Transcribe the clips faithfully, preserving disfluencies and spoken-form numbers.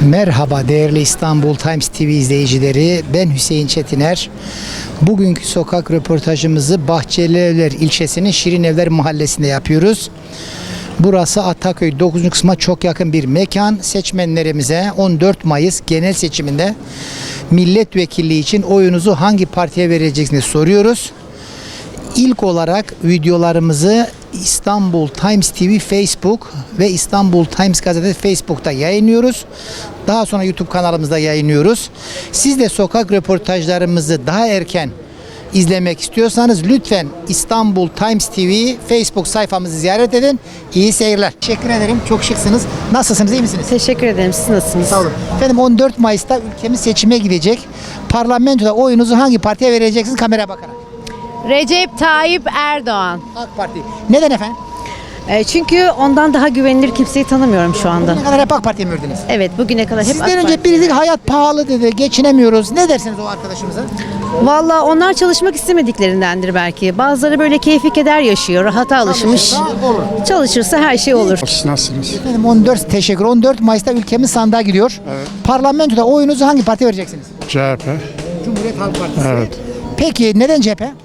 Merhaba değerli İstanbul Times T V izleyicileri, ben Hüseyin Çetiner. Bugünkü sokak röportajımızı Bahçelievler ilçesinin Şirinevler mahallesinde yapıyoruz. Burası Ataköy dokuzuncu kısma çok yakın bir mekan. Seçmenlerimize on dört Mayıs genel seçiminde milletvekilliği için oyunuzu hangi partiye vereceksiniz soruyoruz. İlk olarak videolarımızı İstanbul Times T V Facebook ve İstanbul Times Gazete Facebook'ta yayınlıyoruz. Daha sonra YouTube kanalımızda yayınlıyoruz. Siz de sokak röportajlarımızı daha erken izlemek istiyorsanız lütfen İstanbul Times T V Facebook sayfamızı ziyaret edin. İyi seyirler. Teşekkür ederim. Çok şıksınız. Nasılsınız? İyi misiniz? Teşekkür ederim. Siz nasılsınız? Sağ olun. Efendim on dört Mayıs'ta ülkemiz seçime gidecek. Parlamentoda oyunuzu hangi partiye vereceksiniz? Kameraya bakarak. Recep Tayyip Erdoğan. AK Parti. Neden efendim? E, çünkü ondan daha güvenilir kimseyi tanımıyorum şu anda. Bugüne kadar hep AK Parti'ye mi verdiniz? Evet, bugüne kadar hep Sizden AK önce Parti. birisi hayat pahalı dedi, geçinemiyoruz. Ne dersiniz o arkadaşımıza? Vallahi onlar çalışmak istemediklerindendir belki. Bazıları böyle keyfi keder yaşıyor, rahata alışmış. Çalışırsa olur. Çalışırsa her şey olur. Nasılsınız? Efendim on dört teşekkür. on dört Mayıs'ta ülkemiz sandığa gidiyor. Evet. Parlamentoda oyunuzu hangi partiye vereceksiniz? C H P. Cumhuriyet Halk Partisi. Evet. Peki neden C H P?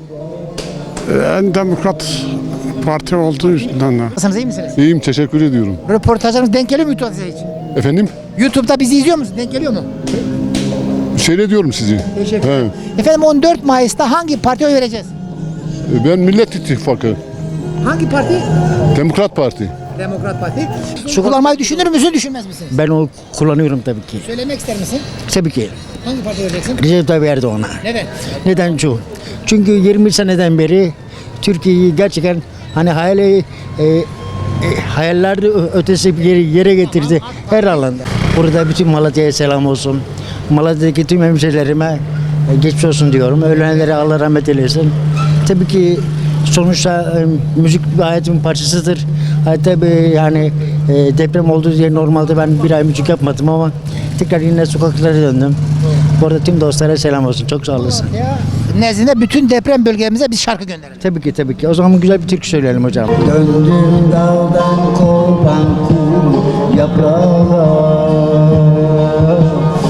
En demokrat parti olduğu yüzünden de. Nasılsınız, iyi misiniz? İyiyim, teşekkür ediyorum. Röportajlarımız denk geliyor mu YouTube'da hiç? Efendim? YouTube'da bizi izliyor musunuz? Denk geliyor mu? Seyrediyorum sizi. Teşekkür He. ederim. Efendim on dört Mayıs'ta hangi partiye oy vereceğiz? Ben Millet İttifakı, Hangi parti? Demokrat Parti. Demokrat Parti. Şu kullanmayı düşünür müsün, düşünmez misiniz? Ben o kullanıyorum tabii ki. Söylemek ister misin? Tabii ki. Hangi partiye vereceksin? Recep Tayyip Erdoğan'a. Neden? Neden şu? Çünkü yirmi seneden beri Türkiye'yi gerçekten hani hayali e, e, hayallerde ötesi bir yere, yere getirdi her alanda. Burada bütün Malatya'ya selam olsun. Malatya'daki tüm hemşehrilerime e, geçmiş olsun diyorum. Ölenlere Allah rahmet eylesin. Tabii ki sonuçta e, müzik bir hayatımın parçasıdır. Hatta bir, yani e, deprem olduğu diye normalde ben bir ay müzik yapmadım ama tekrar yine sokaklara döndüm. Bu arada tüm dostlara selam olsun. Çok sağ olasın. Ya, nezdinde bütün deprem bölgelerimize bir şarkı gönderelim. Tabii ki tabii ki. O zaman güzel bir türkü söyleyelim hocam. Döndüm daldan kopan kuru yaprağa.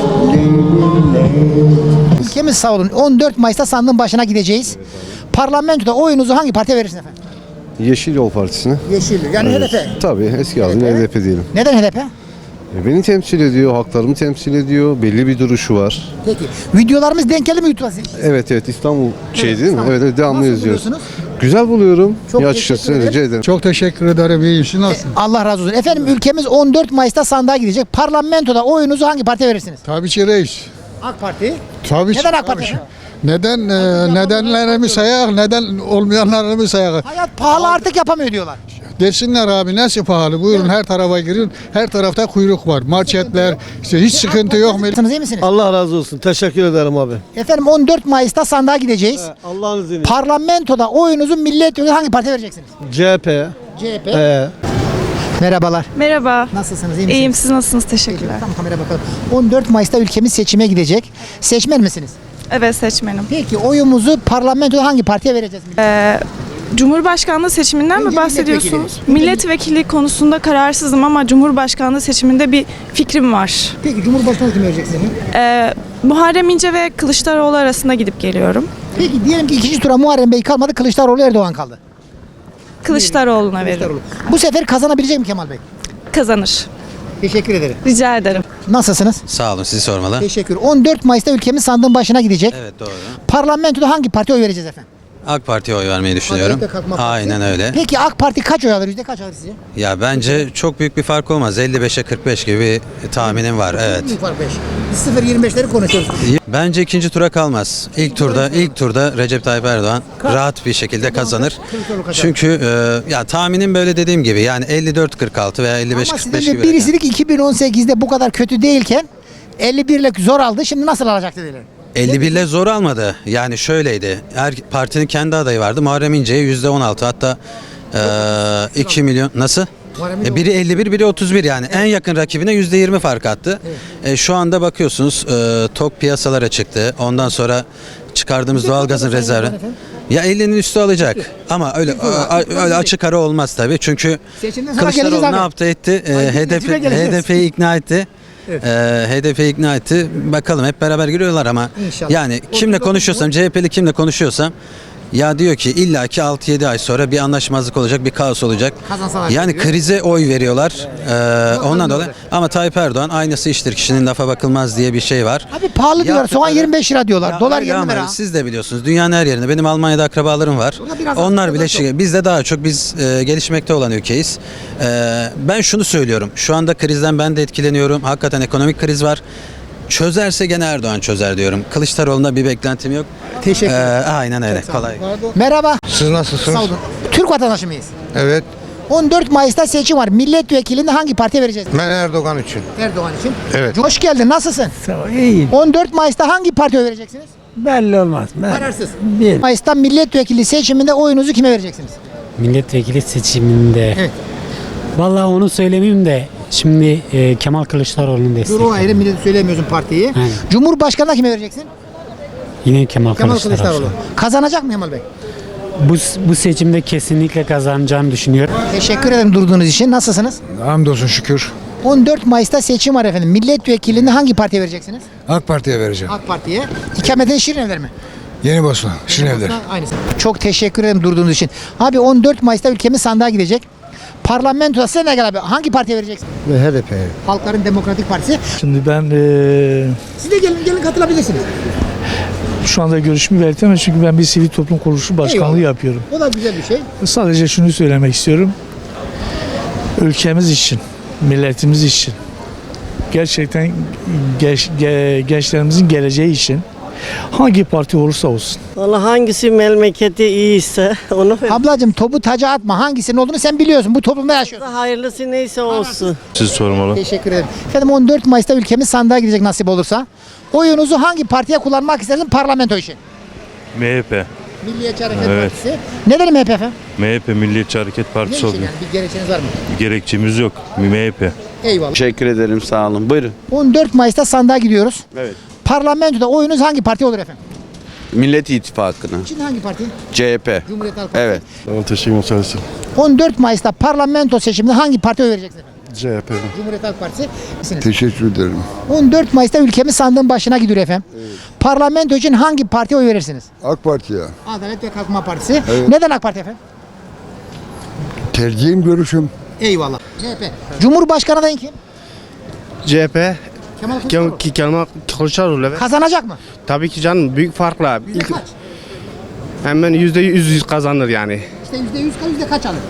Ülkemiz sağ olun. on dört Mayıs'ta sandığın başına gideceğiz. Parlamentoda oyunuzu hangi partiye verirsiniz efendim? Yeşil Yol Partisi'ne. Yeşil. Yani H D P. Tabii eski adıyla H D P. H D P diyelim. Neden H D P? E, Beni temsil ediyor, haklarımı temsil ediyor, belli bir duruşu var. Peki. Videolarımız denk geldi mi YouTube'a? Evet evet İstanbul şey değil mi? İstanbul. Evet, evet devamlı Nasıl izliyoruz. buluyorsunuz? Güzel buluyorum. Çok ya teşekkür açıkçası ederim. rica ederim. Çok teşekkür ederim. İyiyim. Siz nasılsınız? Allah razı olsun. Efendim ülkemiz on dört Mayıs'ta sandığa gidecek. Parlamentoda oyunuzu hangi partiye verirsiniz? Tabii ki reis. AK Parti. Tabii ki. Neden AK Parti Tabii ki. efendim? Neden e, nedenlerimi sayak, neden olmayanlarımı sayak. Hayat pahalı artık yapamıyor diyorlar. Desinler abi nasıl pahalı? Buyurun her tarafa girin. Her tarafta kuyruk var. Marketler, işte hiç sıkıntı yok. Nasılsınız, iyi misiniz? Allah razı olsun. Teşekkür ederim abi. Efendim on dört Mayıs'ta sandığa gideceğiz. Allah'ın izniyle. Parlamentoda oyunuzu milletvekili hangi partiye vereceksiniz? C H P. C H P. Ee, Merhabalar. Merhaba. Nasılsınız, iyi misiniz? İyiyim, siz nasılsınız? Teşekkürler. Tamam, kamera bakalım. on dört Mayıs'ta ülkemiz seçime gidecek. Seçmen misiniz? Evet, seçmenim. Peki oyumuzu parlamentoda hangi partiye vereceğiz? Ee, Cumhurbaşkanlığı seçiminden Önce mi bahsediyorsunuz? milletvekili. Milletvekili konusunda kararsızım ama Cumhurbaşkanlığı seçiminde bir fikrim var. Peki Cumhurbaşkanı kimi vereceksiniz? Ee, Muharrem İnce ve Kılıçdaroğlu arasında gidip geliyorum. Peki diyelim ki ikinci tura Muharrem Bey kalmadı, Kılıçdaroğlu Erdoğan kaldı. Kılıçdaroğlu'na veririm. Bu sefer kazanabilecek mi Kemal Bey? Kazanır. Teşekkür ederim. Rica ederim. Nasılsınız? Sağ olun, sizi sormalı. Teşekkür. on dört Mayıs'ta ülkemiz sandığın başına gidecek. Evet, doğru. Parlamentoda hangi partiye oy vereceğiz efendim? AK Parti'ye oy vermeyi düşünüyorum. Adalet ve Kalkınma Partisi. Aynen öyle. Peki AK Parti kaç oy alır? Yüzde kaç alır sizce? Ya bence çok büyük bir fark olmaz. elli beşe kırk beş gibi bir tahminim var. Evet. Büyük fark beş. Biz sıfır yirmi beşleri konuşuyoruz. Bence ikinci tura kalmaz. İlk turda ilk turda Recep Tayyip Erdoğan rahat bir şekilde kazanır. Kılıçdaroğlu kazanır. Çünkü e, ya tahminim böyle dediğim gibi yani elli dört kırk altı veya elli beş Ama kırk sizin beş de gibi. birisi dedi ki iki bin on sekizde bu kadar kötü değilken elli birle zor aldı. Şimdi nasıl alacak dediler. elli bir ile zor almadı. Yani şöyleydi. Her partinin kendi adayı vardı. Muharrem İnce'ye yüzde on altı, hatta e, iki milyon nasıl? Muharrem İnce E, biri elli bir, biri otuz bir, yani en yakın rakibine yüzde yirmi fark attı. E, şu anda bakıyorsunuz e, tok piyasalara çıktı. Ondan sonra çıkardığımız doğalgazın rezervi. Ya ellinin üstü alacak. Ama öyle a- öyle açık ara olmaz tabii. Çünkü Seçimden sonra geleceğiz Kılıçdaroğlu abi. ne yaptı etti? E, Ay, H D P seçime geleceğiz. H D P'yi ikna etti. Evet. Ee, H D P ikna etti. Bakalım hep beraber giriyorlar ama İnşallah. yani kimle konuşuyorsam, C H P'li kimle konuşuyorsam ya diyor ki illaki altı yedi ay sonra bir anlaşmazlık olacak, bir kaos olacak. Kazansalar Yani diyor. krize oy veriyorlar. Ee, ondan dolayı. olacak. Ama Tayyip Erdoğan aynası iştir kişinin lafa bakılmaz diye bir şey var. Abi pahalı diyorlar. Soğan Yaptıkları- yirmi beş lira diyorlar. Ya Dolar öyle yirmi ama lira. siz de biliyorsunuz dünyanın her yerinde. Benim Almanya'da akrabalarım var. Burada biraz Onlar az, bile biraz şey, bizde daha çok biz e, gelişmekte olan ülkeyiz. E, ben şunu söylüyorum. Şu anda krizden ben de etkileniyorum. Hakikaten ekonomik kriz var. Çözerse gene Erdoğan çözer diyorum. Kılıçdaroğlu'na bir beklentim yok. Teşekkür E, ederim. aynen öyle. Kolay. Merhaba. Siz nasılsınız? Sağ olun. Türk vatandaşı mıyız? Evet. on dört Mayıs'ta seçim var. Milletvekilini hangi partiye vereceğiz? Ben Erdoğan için. Erdoğan için. Evet. Hoş geldin. Nasılsın? İyi. on dört Mayıs'ta hangi partiye vereceksiniz? Belli olmaz. Kararsız. Bir. Mayıs'ta milletvekili seçiminde oyunuzu kime vereceksiniz? Milletvekili seçiminde. Evet. Vallahi onu söylemeyeyim de şimdi e, Kemal Kılıçdaroğlu'nu Dur o destekliyorum. ayrı millet söyleyemiyorsun partiyi. Aynen. Cumhurbaşkanı'na kime vereceksin? Yine Kemal, Kemal Kılıçdaroğlu. Kılıçdaroğlu. Kazanacak mı Kemal Bey? Bu, bu seçimde kesinlikle kazanacağını düşünüyorum. Teşekkür ederim durduğunuz için. Nasılsınız? Hamdolsun şükür. on dört Mayıs'ta seçim var efendim. Milletvekilini hangi partiye vereceksiniz? AK Parti'ye vereceğim. AK Parti'ye. İkametin Şirinevler mi? Yeni Bosna. Şirinevler. Aynısı. Çok teşekkür ederim durduğunuz için. Abi on dört Mayıs'ta ülkemiz sandığa gidecek. Parlamentoda size ne kadar abi? Hangi partiye vereceksin? Ve H D P'ye. Halkların Demokratik Partisi. Şimdi ben eee, Siz de gelin gelin katılabilirsiniz. şu anda görüşümü belirtemem çünkü ben bir sivil toplum kuruluşu başkanlığı Eyvallah. yapıyorum. O da güzel bir şey. Sadece şunu söylemek istiyorum. Ülkemiz için, milletimiz için, gerçekten genç, ge- gençlerimizin geleceği için hangi parti olursa olsun. Valla hangisi memleketi iyiyse onu Ablacığım topu taca atma. Hangisinin olduğunu sen biliyorsun. Bu toplumda yaşıyorsun. hayırlısı neyse olsun. Siz sormalı. Teşekkür ederim. Efendim on dört Mayıs'ta ülkemiz sandığa gidecek nasip olursa. Oyunuzu hangi partiye kullanmak istersin parlamento için? M H P. Milliyetçi Hareket Evet. Partisi. Neden M H P efendim? M H P Milliyetçi Hareket Ne Partisi için oluyor. yani? Bir gerekçeniz var mı? Gerekçemiz yok. M H P. Eyvallah. Teşekkür ederim, sağ olun. Buyurun. on dört Mayıs'ta sandığa gidiyoruz. Evet. Parlamentoda oyunuz hangi parti olur efendim? Millet İttifakı'na. Şimdi hangi parti? C H P. Cumhuriyet Halk Partisi. Evet. Tamam, teşekkür ederim. on dört Mayıs'ta parlamento seçiminde hangi partiye oy vereceksiniz efendim? C H P. Cumhuriyet Halk Partisi. Misiniz? Teşekkür ederim. on dört Mayıs'ta ülkemiz sandığın başına gidiyor efendim. Parlamento için hangi partiye oy verirsiniz? AK Parti'ye. Adalet ve Kalkınma Partisi. Neden AK Parti efendim? Tercihim, görüşüm. Eyvallah. C H P. Cumhurbaşkanı adayın kim? C H P, Kemal Kılıçdaroğlu. Kemal Kılıçdaroğlu evet. Kazanacak mı? Tabii ki canım büyük farkla. Yüzde kaç? Hemen yüzde yüz kazanır yani. İşte yüzde yüz yüzde kaç alır?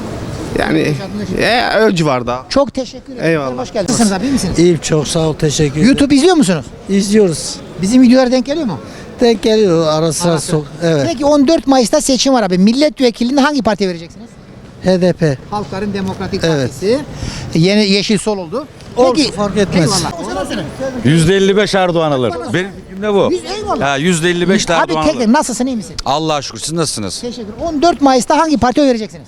Yani e, o civarda. Çok teşekkür ederim. Eyvallah. Hoş geldiniz. Nasılsınız abi? İyi misiniz? İyiyim çok sağ ol teşekkür ederim. YouTube izliyor musunuz? İzliyoruz. Bizim videolar denk geliyor mu? Denk geliyor ara sıra Arası. sok. Evet. Peki on dört Mayıs'ta seçim var abi. Milletvekilini hangi partiye vereceksiniz? H D P. Halkların Demokratik Evet. Partisi. Yeni Yeşil Sol oldu. Olsun, fark etmez. Eyvallah. yüzde elli beş Erdoğan alır. Benim fikrim de bu. Yüz- eyvallah. Ha, yüzde elli beş de Abi Erdoğan tek alır. tek nasılsın iyi misin? Allah'a şükür. Siz nasılsınız? Teşekkür. on dört Mayıs'ta hangi partiye oy vereceksiniz?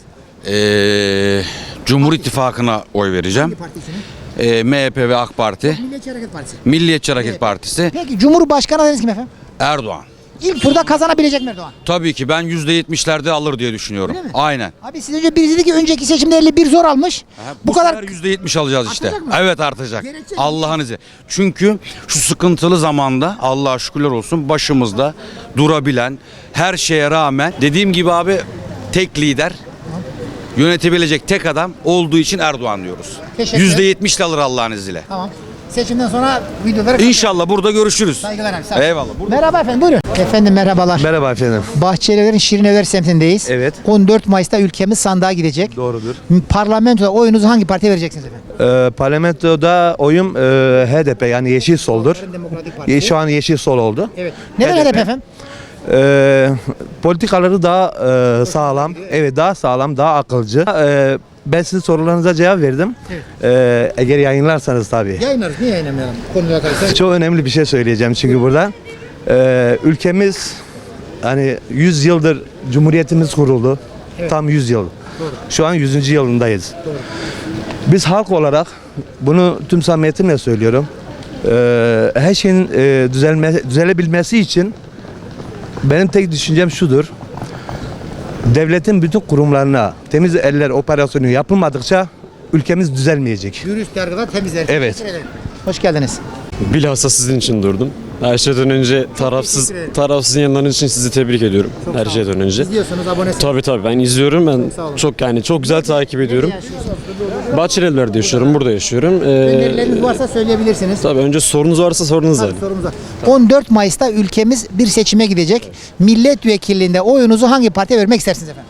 Ee, Cumhur İttifakı'na oy vereceğim. Hangi partisini? Ee, M H P ve AK Parti. Milliyetçi Hareket Partisi. Milliyetçi Hareket Partisi. Peki Cumhurbaşkanı adayınız kim efendim? Erdoğan. İlk turda kazanabilecek mi Erdoğan? Tabii ki ben yüzde yetmişlerde alır diye düşünüyorum. Öyle mi? Aynen. Abi siz önce birisi dedi ki önceki seçimde elli bir zor almış. Bu, bu kadar sefer yüzde yetmiş alacağız işte. Artacak mı? Evet artacak. Gerekçe- Allah'ın izniyle. Çünkü şu sıkıntılı zamanda Allah'a şükürler olsun başımızda durabilen, her şeye rağmen dediğim gibi abi tek lider, yönetebilecek tek adam olduğu için Erdoğan diyoruz. Teşekkür yüzde yetmiş alır Allah'ın izniyle. Tamam. Seçimden sonra videoları İnşallah burada görüşürüz. Saygılar abi. Sağ olun. Eyvallah. Burada- Merhaba efendim buyurun. Efendim merhabalar. Merhaba efendim. Bahçelievler'in Şirinevler semtindeyiz. Evet. on dört Mayıs'ta ülkemiz sandığa gidecek. Doğrudur. Parlamentoda oyunuzu hangi partiye vereceksiniz efendim? Ee, parlamentoda oyum e, H D P yani Yeşil Sol'dur. Demokratik Ye- Şu an Yeşil Sol oldu. Evet. Neden H D P? H D P efendim? Ee, politikaları daha e, sağlam, evet daha sağlam, daha akılcı. Ee, ben sizin sorularınıza cevap verdim. Ee, eğer yayınlarsanız tabii. Yayınlarız. Niye yayınlamayalım? Konuyla karıştırdık. Çok önemli bir şey söyleyeceğim çünkü burada. Ee, ülkemiz hani yüz yıldır Cumhuriyetimiz kuruldu. Tam yüz yıl. Şu an yüzüncü yılındayız. Biz halk olarak bunu tüm samimiyetimle söylüyorum. Ee, her şeyin e, düzelme, düzelebilmesi için benim tek düşüncem şudur. Devletin bütün kurumlarına temiz eller operasyonu yapılmadıkça ülkemiz düzelmeyecek. Dürüst yargıda temizler. Evet. Teşekkür ederim. Hoş geldiniz. Bilhassa sizin için durdum. Her şeyden önce tarafsız teşekkür ederim. tarafsız yayınlarınız için sizi tebrik ediyorum. Çok Her sağ şeyden önce. İzliyorsunuz, abonesiniz. Tabii tabii ben izliyorum. Ben sağ olun. çok yani çok güzel takip ediyorum. Bahçelievler'de yaşıyorum, burada yaşıyorum. Ee, Önerileriniz varsa söyleyebilirsiniz. tabii önce sorunuz varsa sorunuz Tabii, alayım. sorumuza. on dört Mayıs'ta ülkemiz bir seçime gidecek. Milletvekilliğinde oyunuzu hangi partiye vermek istersiniz efendim?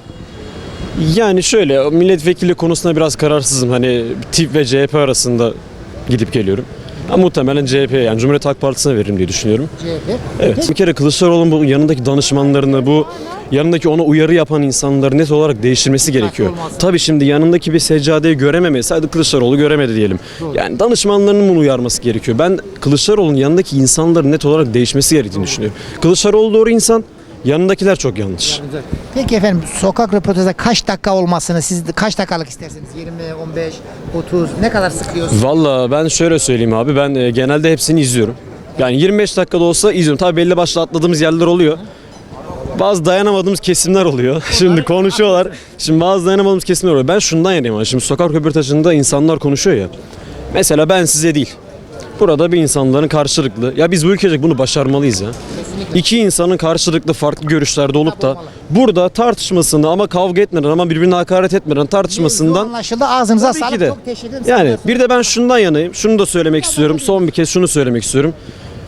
Yani şöyle o milletvekili konusunda biraz kararsızım. Hani tip ve C H P arasında gidip geliyorum. Ama muhtemelen C H P yani Cumhuriyet Halk Partisi'ne veririm diye düşünüyorum. C H P. Evet. Bir kere Kılıçdaroğlu'nun bu yanındaki danışmanlarını, bu yanındaki ona uyarı yapan insanları net olarak değiştirmesi gerekiyor. Tabii şimdi yanındaki bir seccadeyi görememesi, sadece Kılıçdaroğlu göremedi diyelim. Yani danışmanlarının bunu uyarması gerekiyor. Ben Kılıçdaroğlu'nun yanındaki insanların net olarak değişmesi gerektiğini düşünüyorum. Kılıçdaroğlu doğru insan, yanındakiler çok yanlış. Peki efendim, sokak röportajda kaç dakika olmasını siz kaç dakikalık istersiniz? yirmi, on beş, otuz ne kadar sıkıyorsunuz? Valla ben şöyle söyleyeyim abi, ben e, genelde hepsini izliyorum. Yani yirmi beş dakikada olsa izliyorum. Tabii belli başlı atladığımız yerler oluyor. Bazı dayanamadığımız kesimler oluyor. Şimdi konuşuyorlar. Şimdi bazı dayanamadığımız kesimler oluyor. Ben şundan yanayım abi. Şimdi sokak röportajında insanlar konuşuyor ya. Mesela ben size değil. Burada bir insanların karşılıklı. Ya biz bu ülkecek bunu başarmalıyız ya. İki insanın karşılıklı farklı görüşlerde olup da burada tartışmasını ama kavga etmeden ama birbirine hakaret etmeden tartışmasından Anlaşıldı. Ağzınıza Tabii ki sağlık. de. Çok teşekkür ederim. yani bir de ben şundan yanayım. Şunu da söylemek istiyorum. Son bir kez şunu söylemek istiyorum.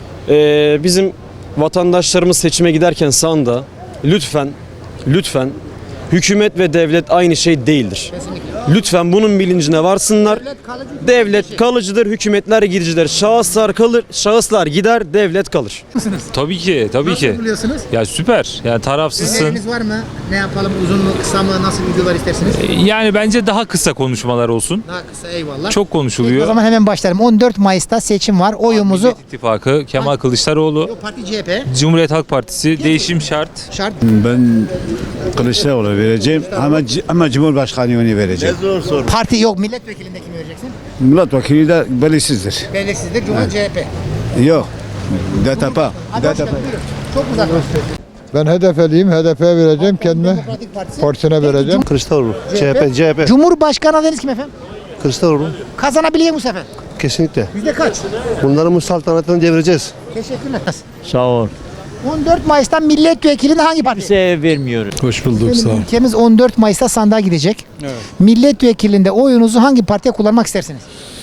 Ee, bizim vatandaşlarımız seçime giderken sandığa lütfen lütfen hükümet ve devlet aynı şey değildir. Lütfen bunun bilincine varsınlar. Devlet kalıcıdır, hükümetler gidicidir. Şahıslar kalır, şahıslar gider, devlet kalır. Tabii ki, tabii ki. Nasıl buluyorsunuz? Ya süper. Yani tarafsızsın. Öneriniz var mı? Ne yapalım? Uzun mu, kısa mı? Nasıl videolar istersiniz? Yani bence daha kısa konuşmalar olsun. Daha kısa, eyvallah. Çok Peki, konuşuluyor. o zaman hemen başlayalım. on dört Mayıs'ta seçim var. Oyumuzu Millet İttifakı, Kemal Kılıçdaroğlu, Parti C H P. Cumhuriyet Halk Partisi, değişim şart. Şart. Ben Kılıçdaroğlu vereceğim ama ama Cumhurbaşkanlığını vereceğim. Parti yok. Milletvekilinde kimi vereceksin? Milletvekili de belirsizdir. Belirsizdir. Cumhuriyet C H P. Yok. D T P. Hadi hoş geldin. Buyurun. Çok uzak. Ben H D P'liyim. H D P'ye vereceğim. Kendime Demokratik Partisi. partisine vereceğim. Kılıçdaroğlu. C H P. C H P. Cumhurbaşkanı adayınız kim efendim? Kılıçdaroğlu. Kazanabilecek bu sefer. Kesinlikle. Yüzde kaç? Bunların bu saltanatını devireceğiz. Teşekkürler. Sağ ol. on dört Mayıs'ta milletvekilinde hangi parti? Kimseye vermiyorum. Hoş bulduk. Benim ülkemiz on dört Mayıs'ta sandığa gidecek. Evet. Milletvekilinde oyunuzu hangi partiye kullanmak istersiniz?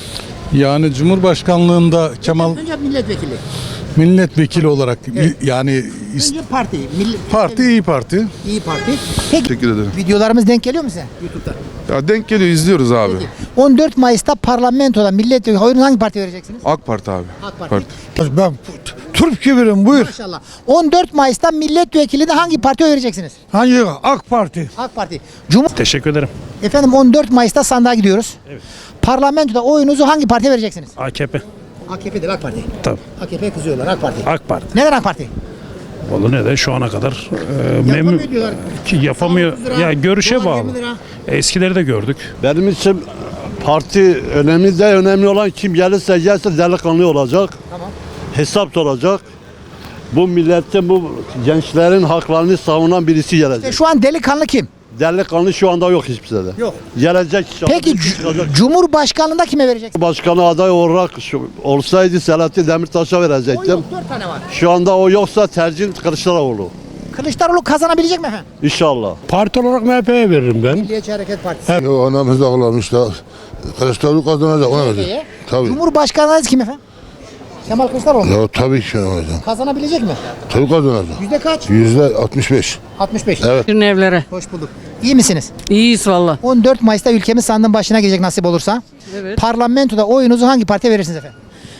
Yani Cumhurbaşkanlığında Kemal Önce milletvekili. milletvekili olarak yani Önce parti. Milli, Parti iyi Parti. İyi Parti. Peki Teşekkür ederim. videolarımız denk geliyor mu size YouTube'da? Ya denk geliyor, izliyoruz abi. on dört Mayıs'ta parlamentoda milletvekili oyunuzu hangi partiye vereceksiniz? AK Parti abi. AK Parti. Ben Türk gibirim, buyur. Maşallah. on dört Mayıs'ta milletvekilinde hangi partiye vereceksiniz? Hangi? AK Parti. AK Parti. Cumhur Teşekkür ederim. Efendim on dört Mayıs'ta sandığa gidiyoruz. Evet. Parlamentoda oyunuzu hangi partiye vereceksiniz? A K P. A K P değil, AK Parti. Tabii. A K P kızıyorlar, AK Parti. AK Parti. Neden AK Parti? Valla ne de şu ana kadar e, Yapamıyor diyorlar. ki yapamıyor. Sağlık lira, Ya görüşe dolar bağlı. yirmi lira. Eskileri de gördük. Benim için parti önemli de önemli olan kim gelirse gelse delikanlı olacak. Tamam. Hesap soracak. Bu milletin, bu gençlerin haklarını savunan birisi gelecek. E, Şu an delikanlı kim? Delikanlı şu anda yok hiçbir yerde. Yok. Gelecek inşallah. Peki cu- Cumhurbaşkanlığında kime vereceksiniz? Başkanı aday olarak şu, olsaydı Selahattin Demirtaş'a O verecektim. yok, dört tane var. Şu anda o yoksa tercih Kılıçdaroğlu. Kılıçdaroğlu kazanabilecek mi efendim? İnşallah. Parti olarak M H P'ye veririm ben. Milliyetçi Hareket Partisi. Yo, anamız ağlamış da. Kılıçdaroğlu kazanacak ona göre. Peki. Tabii. Cumhurbaşkanı adayınız kim efendim? Kemal Kılıçdaroğlu. Ya tabii ki kazanacak. Kazanabilecek mi? Tabii kazanacak. Yüzde kaç? Yüzde altmış beş. altmış beş. Evet. Evlere. Hoş bulduk. İyi misiniz? İyiyiz valla. on dört Mayıs'ta ülkemiz sandığın başına gelecek nasip olursa. Evet. Parlamentoda oyunuzu hangi partiye verirsiniz efendim?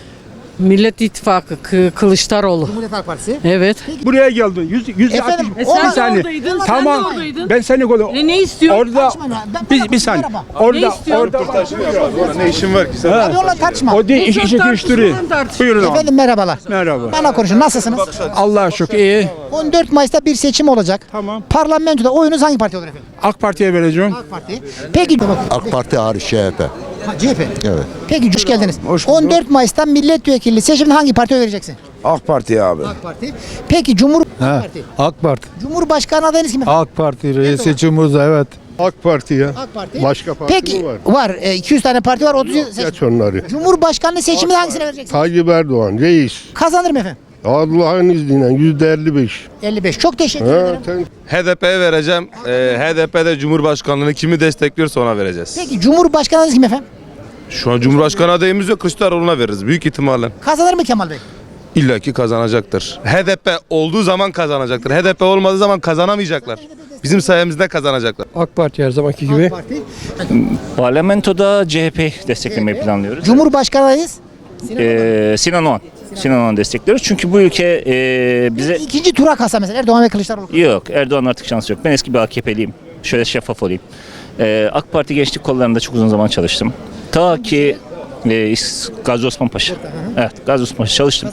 Millet İttifakı K- Kılıçdaroğlu. Cumhuriyet Halk Partisi. Evet. Buraya geldin. Yüz, yüzde Efendim, altmış. o- Bir saniye. oradaydın, sen Tamam. de oradaydın. Ben seni koydum. E ne istiyorsun? Orada Tartışma lan. Ben- bir, bana bir saniye. merhaba. Orada Ne istiyorsun? orada Ne işin var ki sen? Hadi onunla tartışma. o değil iş işi değiştiriyor. Buyurun abi. Efendim merhabalar. Merhaba. Bana konuşun. Nasılsınız? Allah'a şükür iyi. on dört Mayıs'ta bir seçim olacak. Tamam. Parlamentoda oyunuz hangi parti olur efendim? AK Parti'ye vereceğim. AK Parti. Peki. AK Parti hariç C H P. Ha, C H P. Evet. Peki hoş geldiniz. Hoş bulduk. on dört Mayıs'ta milletvekili seçiminde hangi partiye vereceksin? AK Parti abi. AK Parti. Peki Cumhur Parti. AK Parti. Cumhurbaşkanı adayınız kim efendim? AK Parti reisi Cumhurbaşkanı evet. AK Parti ya. AK Parti. Başka parti Peki mi var? var. E, iki yüz tane parti var. otuz seçim. Geç onları. Cumhurbaşkanlığı seçiminde hangisine vereceksiniz? Tayyip Erdoğan reis. Kazanır mı efendim? Allah'ın izniyle yüzde elli beş. elli beş. Çok teşekkür ederim. H D P'ye vereceğim. Ee, H D P'de Cumhurbaşkanlığını kimi destekliyorsa ona vereceğiz. Peki Cumhurbaşkanı kim efendim? Şu an Cumhurbaşkanı adayımız yok. Kılıçdaroğlu'na veririz büyük ihtimalle. Kazanır mı Kemal Bey? İlla ki kazanacaktır. H D P olduğu zaman kazanacaktır. H D P olmadığı zaman kazanamayacaklar. Bizim sayemizde kazanacaklar. AK Parti her zamanki gibi. AK Parti. Parlamentoda C H P desteklemeyi planlıyoruz. Cumhurbaşkanı adayız. Ee, Sinan Oğan. Sinan Oğan destekliyoruz. Çünkü bu ülke e, bize... İkinci tura kalsa mesela Erdoğan ve Kılıçdaroğlu. Yok, Erdoğan artık şansı yok. Ben eski bir A K P'liyim. Şöyle şeffaf olayım. Ee, AK Parti gençlik kollarında çok uzun zaman çalıştım. Ta ki e, Gazi Osman Paşa. Evet, Gazi Osman Paşa çalıştım.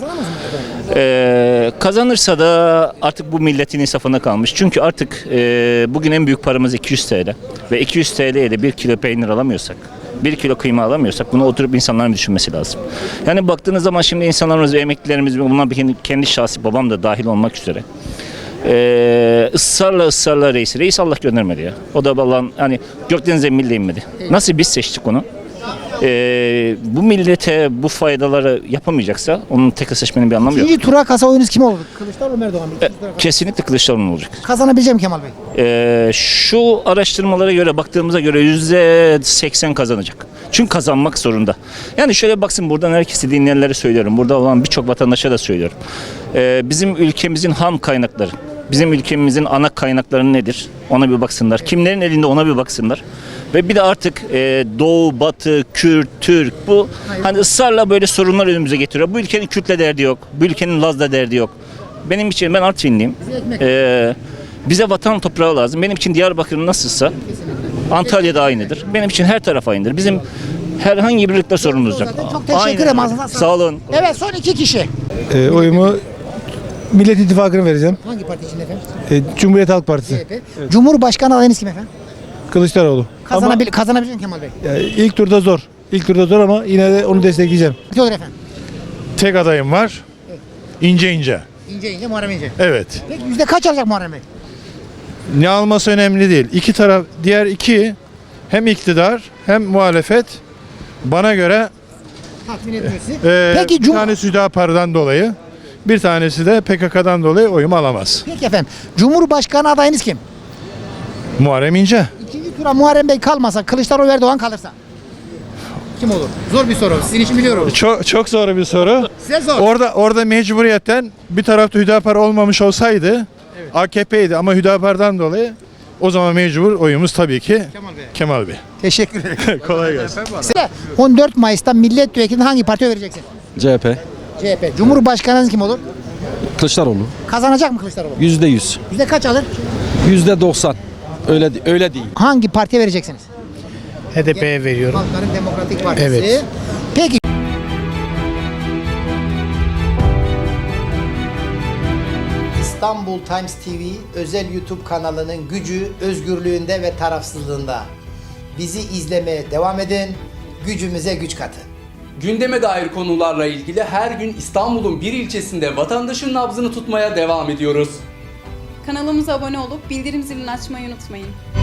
Ee, kazanırsa da artık bu milletin insafına kalmış. Çünkü artık e, bugün en büyük paramız iki yüz T L. Ve iki yüz T L'ye de bir kilo peynir alamıyorsak, bir kilo kıyma alamıyorsak bunu oturup insanların düşünmesi lazım. Yani baktığınız zaman şimdi insanlarımız ve emeklilerimiz, bunlar kendi, kendi şahsi babam da dahil olmak üzere. Ee, ısrarla ısrarla reis. Reis Allah göndermedi ya. O da Allah'ın hani Gökdeniz'e milli inmedi. Nasıl biz seçtik onu? Ee, bu millete bu faydaları yapamayacaksa onun tek seçmenin bir anlamı yok. İkinci tura kalsa oyunuz kime olur? Kılıçdaroğlu mu Erdoğan mı? İkinci tura kalsa. Kesinlikle Kılıçdaroğlu olacak. Kazanabilecek mi Kemal Bey? Ee, şu araştırmalara göre baktığımıza göre yüzde seksen kazanacak. Çünkü kazanmak zorunda. Yani şöyle baksın, buradan herkesi dinleyenlere söylüyorum. Burada olan birçok vatandaşa da söylüyorum. Ee, bizim ülkemizin ham kaynakları, bizim ülkemizin ana kaynakları nedir? Ona bir baksınlar. Kimlerin elinde ona bir baksınlar. Ve bir de artık e, Doğu, Batı, Kürt, Türk bu hani ısrarla böyle sorunlar önümüze getiriyor. Bu ülkenin Kürt'le derdi yok. Bu ülkenin Laz'la derdi yok. Benim için, ben Artvinliyim. Ee, bize vatan toprağı lazım. Benim için Diyarbakır nasılsa Antalya'da aynıdır. Benim için her taraf aynıdır. Bizim herhangi bir birlikte sorunumuz yok. Çok teşekkür ederim. Ağzınıza sağlık. Sağ olun. Evet, son iki kişi. Ee, oyumu Millet İttifakı'na vereceğim. Hangi parti için efendim? Ee, Cumhuriyet Halk Partisi. C H P. Cumhurbaşkanı adayınız kim efendim? Kılıçdaroğlu. Kazanabil kazanabilecek mi Kemal Bey? Yani ilk turda zor. İlk turda zor ama yine de onu destekleyeceğim. Ne olur efendim? Tek adayım var. İnce ince. İnce ince Muharrem İnce. Evet. Peki yüzde kaç alacak Muharrem Bey? Ne alması önemli değil. İki taraf, diğer iki hem iktidar hem muhalefet bana göre Tatmin ediyor sizi. e, Peki bir Cum- tanesi Hüdapar'dan dolayı, bir tanesi de P K K'dan dolayı oyumu alamaz. Peki efendim. Cumhurbaşkanı adayınız kim? Muharrem İnce. İkinci tura Muharrem Bey kalmasa, Kılıçdaroğlu Erdoğan kalırsa kim olur? Zor bir soru. Sizin için biliyorum. Çok çok zor bir soru. Size zor. Orada orada mecburiyetten bir tarafta Hüdapar olmamış olsaydı A K P'ydi ama Hüdapar'dan dolayı o zaman mecbur oyumuz tabii ki Kemal Bey. Kemal Bey. Teşekkür ederim. Kolay gelsin. Size on dört Mayıs'ta milletvekilini hangi partiye vereceksin? C H P. C H P. Cumhurbaşkanınız kim olur? Kılıçdaroğlu. Kazanacak mı Kılıçdaroğlu? Yüzde yüz. Yüzde kaç alır? Yüzde doksan. Öyle öyle değil. Hangi partiye vereceksiniz? H D P'ye veriyorum. Halkların Demokratik Partisi. Evet. Peki. İstanbul Times T V özel YouTube kanalının gücü özgürlüğünde ve tarafsızlığında. Bizi izlemeye devam edin. Gücümüze güç katın. Gündeme dair konularla ilgili her gün İstanbul'un bir ilçesinde vatandaşın nabzını tutmaya devam ediyoruz. Kanalımıza abone olup bildirim zilini açmayı unutmayın.